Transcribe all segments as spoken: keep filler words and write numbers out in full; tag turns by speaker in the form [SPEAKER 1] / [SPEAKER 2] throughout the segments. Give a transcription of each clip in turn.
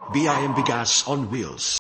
[SPEAKER 1] B I M Bigas on Wheels.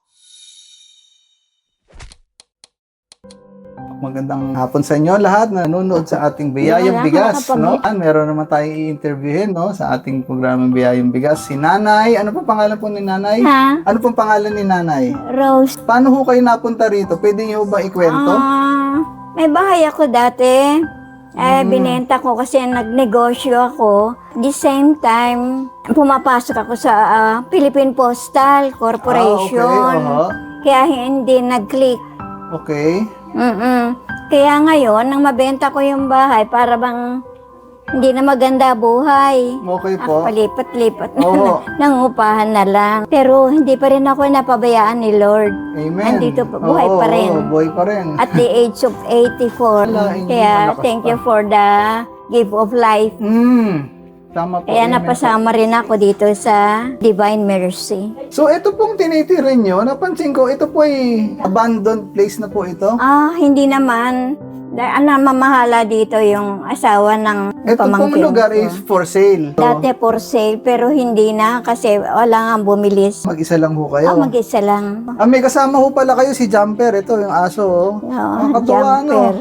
[SPEAKER 2] Magandang hapon sa inyo lahat na nanonood sa ating Biyayang Bigas, no? Meron naman tayong i-interviewin, no, sa ating programang Biyayang Bigas. Si Nanay, ano pa pangalan po ni Nanay?
[SPEAKER 3] Ha?
[SPEAKER 2] Ano pong pangalan ni Nanay?
[SPEAKER 3] Rose.
[SPEAKER 2] Paano ho kayo napunta rito? Pwede niyo ba ikwento?
[SPEAKER 3] Ah, may bahay ako dati. Eh, binenta ko kasi nagnegosyo ako. The same time, pumapasok ako sa ah, Philippine Postal Corporation.
[SPEAKER 2] Ah, okay. Aha.
[SPEAKER 3] Kaya hindi nag-click.
[SPEAKER 2] Okay.
[SPEAKER 3] Mm-mm. Kaya ngayon, nang mabenta ko yung bahay, para bang hindi na maganda buhay.
[SPEAKER 2] Okay
[SPEAKER 3] Ako
[SPEAKER 2] po.
[SPEAKER 3] palipat-lipat na,
[SPEAKER 2] Oo.
[SPEAKER 3] nangupahan na lang. Pero hindi pa rin ako napabayaan ni Lord.
[SPEAKER 2] Amen.
[SPEAKER 3] Nandito pa, buhay
[SPEAKER 2] Oo,
[SPEAKER 3] pa rin.
[SPEAKER 2] oo, buhay pa rin.
[SPEAKER 3] At the age of eighty-four.
[SPEAKER 2] Wala, hindi
[SPEAKER 3] Kaya
[SPEAKER 2] malakas
[SPEAKER 3] thank
[SPEAKER 2] pa.
[SPEAKER 3] you for the gift of life.
[SPEAKER 2] Hmm. Tama po.
[SPEAKER 3] Kaya
[SPEAKER 2] amen po.
[SPEAKER 3] napasama rin ako dito sa Divine Mercy.
[SPEAKER 2] So, ito pong tinitirin nyo, napansin ko, ito po ay abandoned place na po ito.
[SPEAKER 3] Ah, hindi naman. Dahil ang namamahala dito yung asawa ng
[SPEAKER 2] Ito pong
[SPEAKER 3] pamangkin
[SPEAKER 2] lugar
[SPEAKER 3] ko.
[SPEAKER 2] is for sale. So,
[SPEAKER 3] Dati for sale, pero hindi na kasi wala nga bumilis.
[SPEAKER 2] mag-isa lang ho kayo.
[SPEAKER 3] Ah, mag-isa lang.
[SPEAKER 2] Ah, may kasama ho pala kayo si Jumper. Ito, yung aso. Oh.
[SPEAKER 3] Oo,
[SPEAKER 2] Nakakatuwa, no?
[SPEAKER 3] jumper.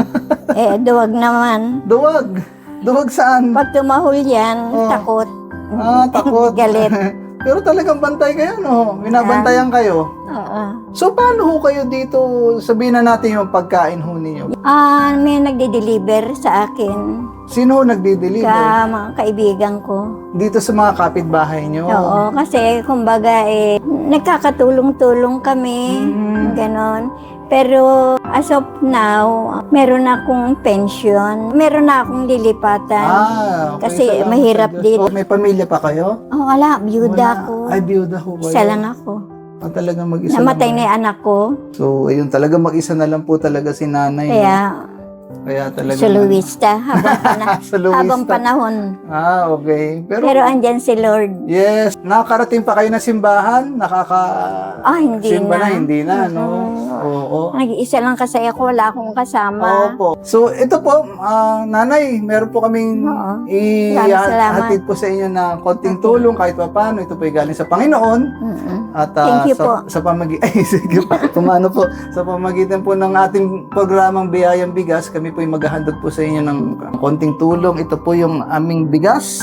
[SPEAKER 3] Eh, duwag naman.
[SPEAKER 2] Duwag. Duwag saan?
[SPEAKER 3] Pag tumahol yan,
[SPEAKER 2] Oh.
[SPEAKER 3] takot.
[SPEAKER 2] Ah, takot.
[SPEAKER 3] Galit.
[SPEAKER 2] Pero talagang bantay kayo, no? Binabantayan kayo.
[SPEAKER 3] Oo.
[SPEAKER 2] So, paano ho kayo dito, sabihin na natin yung pagkain ho ninyo?
[SPEAKER 3] Ah, may nagde-deliver sa akin.
[SPEAKER 2] Sino ho nagdi-deliver?
[SPEAKER 3] Ka mga kaibigan ko.
[SPEAKER 2] Dito sa mga kapitbahay nyo?
[SPEAKER 3] Oo, kasi kumbaga eh, nagkakatulong-tulong kami,
[SPEAKER 2] Mm.
[SPEAKER 3] ganon. Pero as of now, meron akong pension, meron na akong lilipatan.
[SPEAKER 2] Ah, okay.
[SPEAKER 3] Kasi
[SPEAKER 2] Salamat
[SPEAKER 3] mahirap
[SPEAKER 2] sa Diyos.
[SPEAKER 3] dito.
[SPEAKER 2] Oh, may pamilya pa kayo?
[SPEAKER 3] Oh, wala, byuda
[SPEAKER 2] Wala.
[SPEAKER 3] ko.
[SPEAKER 2] Ay, byuda ho kayo.
[SPEAKER 3] Isa lang ako.
[SPEAKER 2] Ah, talagang mag-isa
[SPEAKER 3] Namatay
[SPEAKER 2] lang.
[SPEAKER 3] na yung anak ko,
[SPEAKER 2] So, ayun, talaga mag-isa na lang po talaga si nanay.
[SPEAKER 3] kaya
[SPEAKER 2] no? Kaya talaga.
[SPEAKER 3] soloista habang, pana-
[SPEAKER 2] Soloista.
[SPEAKER 3] habang panahon.
[SPEAKER 2] Ah, okay. Pero,
[SPEAKER 3] Pero andyan si Lord.
[SPEAKER 2] yes, nakakarating pa kayo ng simbahan? Nakaka...
[SPEAKER 3] Ah, hindi
[SPEAKER 2] Simba na,
[SPEAKER 3] na.
[SPEAKER 2] hindi na, no?
[SPEAKER 3] Mm.
[SPEAKER 2] Oo.
[SPEAKER 3] Nag-iisa lang kasi ako, wala akong kasama.
[SPEAKER 2] Opo. So, ito po, ah, nanay, meron po kaming
[SPEAKER 3] Oo. Maraming salamat.
[SPEAKER 2] i-hatid po sa inyo na konting tulong kahit pa paano. Ito po ay galing sa Panginoon.
[SPEAKER 3] Mm-mm.
[SPEAKER 2] At ah,
[SPEAKER 3] Thank you
[SPEAKER 2] sa,
[SPEAKER 3] po.
[SPEAKER 2] sa pamagi ay sige pa. Tumano po sa pamagitan po ng ating programang Biyayang Bigas, kami po ay maghahandog po sa inyo ng konting tulong. Ito po yung aming bigas.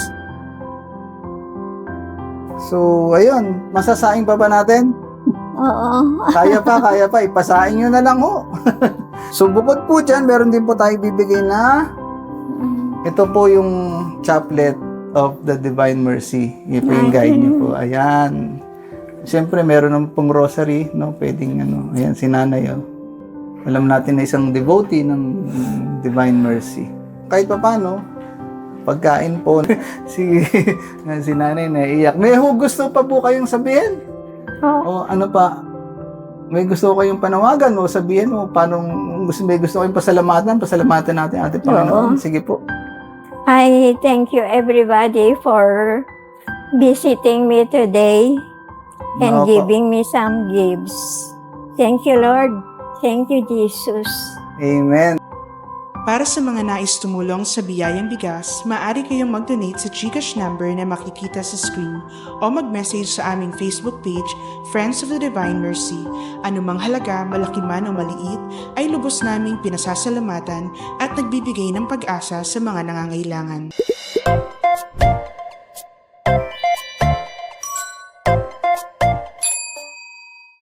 [SPEAKER 2] So, ayun, masasaing pa ba natin?
[SPEAKER 3] Oo.
[SPEAKER 2] Kaya pa, kaya pa, ipasain nyo na lang ho. So, bukod po dyan, meron din po tayo bibigay na ito po yung chaplet of the Divine Mercy. Yun po yung guide nyo po. Ayan. Siyempre, meron ng pong rosary, no? Pwedeng, ano, ayan, si nanay, oh. Alam natin na isang devotee ng Divine Mercy. Kahit pa paano, pagkain po, si, si nanay naiiyak. May ho gusto pa po kayong sabihin? O
[SPEAKER 3] Oo.
[SPEAKER 2] ano pa? May gusto kayong panawagan o sabihin mo, paano, gusto, may gusto kayong pasalamatan, pasalamatan natin ating Panginoon.
[SPEAKER 3] Oo.
[SPEAKER 2] Sige po.
[SPEAKER 3] I thank you everybody for visiting me today and
[SPEAKER 2] Opo.
[SPEAKER 3] giving me some gifts. Thank you, Lord. Thank you, Jesus.
[SPEAKER 2] Amen.
[SPEAKER 4] Para sa mga nais tumulong sa Biyayang Bigas, maaari kayong mag-donate sa GCash number na makikita sa screen o mag-message sa aming Facebook page, Friends of the Divine Mercy. Anumang halaga, malaki man o maliit, ay lubos naming pinasasalamatan at nagbibigay ng pag-asa sa mga nangangailangan.